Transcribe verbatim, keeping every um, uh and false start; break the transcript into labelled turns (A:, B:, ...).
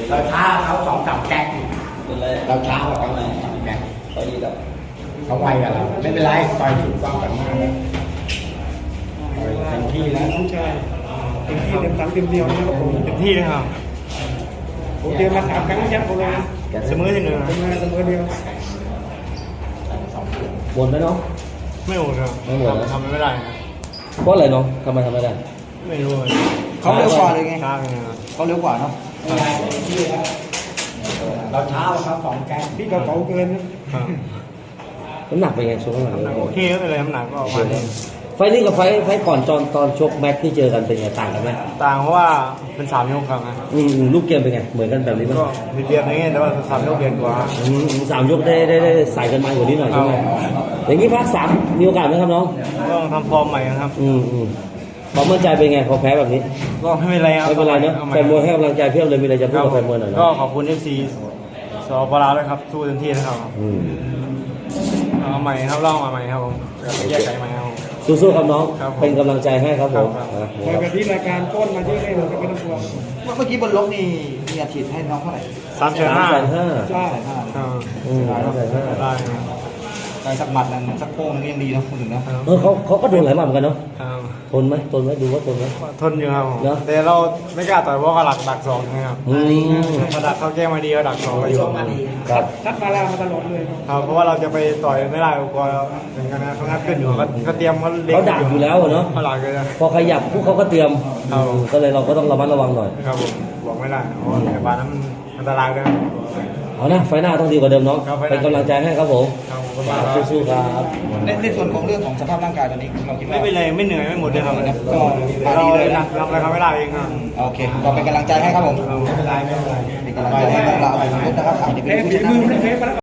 A: เราช้าเขาสองสามแก๊ก
B: เป็นไร
A: เราช้ากว่าเขาเลยสองแก๊ก
B: เขาดีกับ
A: เขาไวกว่าเราไม่เป็นไรต่อยถูกต้องกันมากแล้วต่อยเต็มที่แล้ว
C: น้องชายเต็มที่เต็มตังเต็มเดียวนะครับผม
D: เต็มที่เลยครับ
C: ผมเตรียมมาสามครั้งยัดผมเลยนะ
D: เสมอที่หนึ่ง
C: เป็นมาเสมอเดียว
B: บนไหมน้อง
D: ไม่หมดครับ
B: ไม่หมดนะ
D: ทำไม่ได้นะ
B: เพราะอะไรน้องทำไมทำไม่ได้
D: ไม่รู้เลย
C: เขาเร็วกว่าเลยไง
D: ช้าไปครับ
C: เขาเร็วกว่าเนาะ
A: ไม่เป็นไรเต็มที่แล้วเราช้ากว่าเขาสองแก๊ก
C: พี่เขาเก่าเกินนะ
D: ครับ
B: น้ำหนักเป็นไงช่วงหลัง
D: น้ำหนักโอเคก็เป็นไรน้ำหนักก็ออกมาดี
B: ไฟล์นี้กับไฟล์ไฟล์ก่อนตอนตอนชกแม็กที่เจอกันเป็นไงต่างกันไหม
D: ต่างเพราะว่าเป็นสามยกครับนะ
B: อืมอืมลูกเกมเป็นไงเหมือนกันแบบนี้ไหม
D: ก็มีเปรียบในแง่แต่ว่าสามยกเปลี่ยนกว่า
B: อืมสามยกได้ได้ได้ใส่กันมากว่านี้หน่อยใช่ไหมอย่างนี้ภาคสามมีโอกาสไหมครับน้อง
D: ต้องทำฟอร์มใหม่ครับ
B: อืมอืมความมั่นใจเป็นไงพอแพ้แบบนี้
D: ก็ไม่เป็นไรครับ
B: ไม่เป็นไรเนอะ
D: อาให
B: แฟนมวยให้กำลังใจเพียบเลยมีอะไรจะพูดกับแฟนมวยหน่อยนะ
D: ก็ขอบคุณเอฟซีสปลาวด้วยครับสู้เต็มที่นะครับ
B: อืม
D: เอาใหม่ครับลองมาใหม่ครับผมแยกไขใหม่ครับผม
B: สู้ๆครับน้อง
D: ครับผม
B: เป็นกำลังใจให้ครับผม
D: ครับ
B: นะ
C: คอยแบบที่รายการต้นมาที่นี่เราก็ไม่ต้องกลัว
E: เมื่อกี้บนล็อกนี่มีอาชีพให้น้องเท่าไหร่
D: สามแสน
B: สาม
D: ห้า
B: แสนห้า
C: ใช่
E: ห้า
D: ครับ
B: อืมสามแสนห้า
D: ได้ครับ
E: ได้สักหมัดนั้นสักโป้งนึงก็ยังดีเนาะพูดถึงเนาะ
B: เออเขาเขาก็โดนหลายหมัดเหมือนกันเนาะ
D: ครับ
B: ทนไหมทนไหมดูว่าทนไหม
D: ทนอยู่ครับผม
B: เนอะ
D: แต่เราไม่กล้าต่อยเพราะเขาหลักดักสองนะครับ
B: อืม
D: มาดักเขาแก้มาดีเขาดักสองก็อยู่
B: ครับ
C: ทัดมาแล้วมาตลอดเลย
D: ครับเพราะว่าเราจะไปต่อยไม่ได้กลัวถึงกันนะเขางัดขึ้นอยู่เขาเขาเตรียมเขาเล็ง
B: เขาดักอยู่แล้วอะเนาะ
D: เขาหลักเลยนะ
B: พอขยับพวกเขาก็เตรียม
D: ครับ
B: อืมก็เลยเราก็ต้องระมัดระวังหน่อย
D: ครับผมบอกไม่ได้เพราะว่าในบ้านนั้นมันอันตรายด้วย
B: เอานะไฟหน้าต้องดีกว่าเดิมน้อง
D: ครับไฟหน้า
B: เป็นกำลังใจให้ครับผม
D: ครับผมก็มาแล้ว
B: สู้ๆครับ
E: ในในส่วนของเรื่องของสภาพร่างกายตอนนี้เราคิดว่า
D: ไม่เป็นไรไม่เหนื่อยไม่หมดเลยครับ
E: ก็
D: เรา
E: ดีเลย
D: หนั
E: นะ
D: กทำอะไรเขาไม่ได้เองครับ
E: โอเคก็เป็นกำลังใจให้ครับผม
D: ไม่เป็นไรไม่เป็นไร
E: เป็นกำลังใจให้กับเราทุกนะครับอาจจะเป็นผู้ชนะ